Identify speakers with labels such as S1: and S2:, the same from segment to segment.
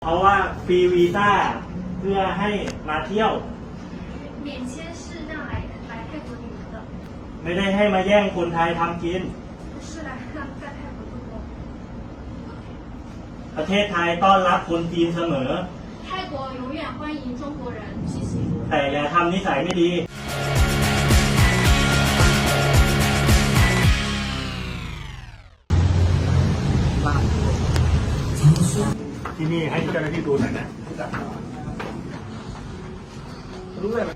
S1: เพราะว่าฟรีวีซ่าเพื่อให้มาเที่ยว
S2: 免签是让来泰国旅游的，
S1: ไม่ได้ให้มาแย่งคนไทยทำกิน
S2: 不是来让在泰国度过。
S1: ประเทศไทยต้อนรับคนจีนเสมอ
S2: 泰国永远欢迎中国人，谢谢。
S1: แต่อย่าทำนิสัยไม่ดี
S3: ที่นี่ให้เจ้าหน้าที่ดูหน่อยนะรู้เลยไหม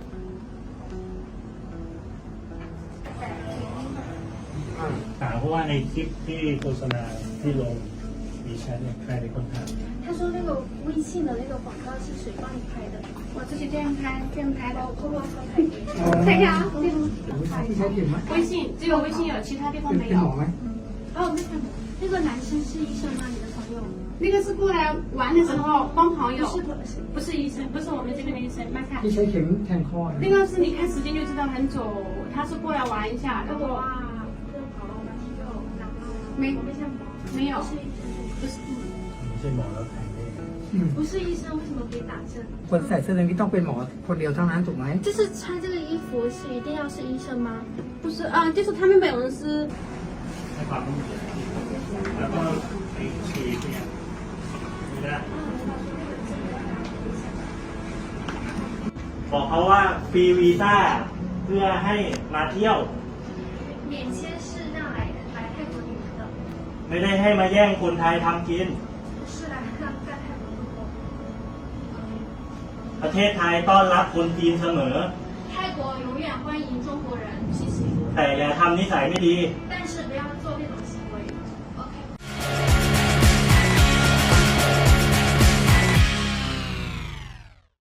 S3: ถามเพราะว่าในคลิปที่โฆษณาที่ลงมีแชทเนี่ยใครเป็นคนถ่าย
S2: 他说那个微信的那个广告是谁帮你拍的？我自己这样拍，这样拍的。我偷偷说拍给你。可以啊，微信只有微信有，其他地方没有。哦，那个男生是医生吗？你的朋友？
S4: 那个是过来玩的时候帮朋友，
S2: 不是医生，
S4: 不是我们这边的医生，麦看。
S5: ที่ใช้เข็มแทงคอ
S4: 那个是你看时间就知道很久，他是过来玩一下，然后
S2: 哇，这跑了我们肌肉，然后
S4: 没
S2: 我们像
S4: 没有，
S2: 不是
S3: ไม่ใช่หมอแล้วถ่ายได้
S2: 不是医生，为什么可以打针？
S5: คนใส่เสื้อเหลืองนี่ต้องเป็นหมอคนเดียวเท่านั้นถูกไหม
S2: 就是穿这个衣服是一定要是医生吗？
S4: 不是就是他们本人是
S3: ให้ความรู้สึกแล้วก็ไอ้ชีเนี่ยนี่นะ
S1: บอกเขาว่าฟรีวีซ่าเพื่อให้มาเที่ยว
S2: 免签是让来泰国旅游的，
S1: ไม่ได้ให้มาแย่งคนไทยทำกิน
S2: 不是来让在泰国度过。
S1: ประเทศไทยต้อนรับคนจีนเสมอ
S2: 泰国永远欢迎中国人，谢谢。
S1: แต่อย่าทำนิสัยไม่ดี
S2: 但是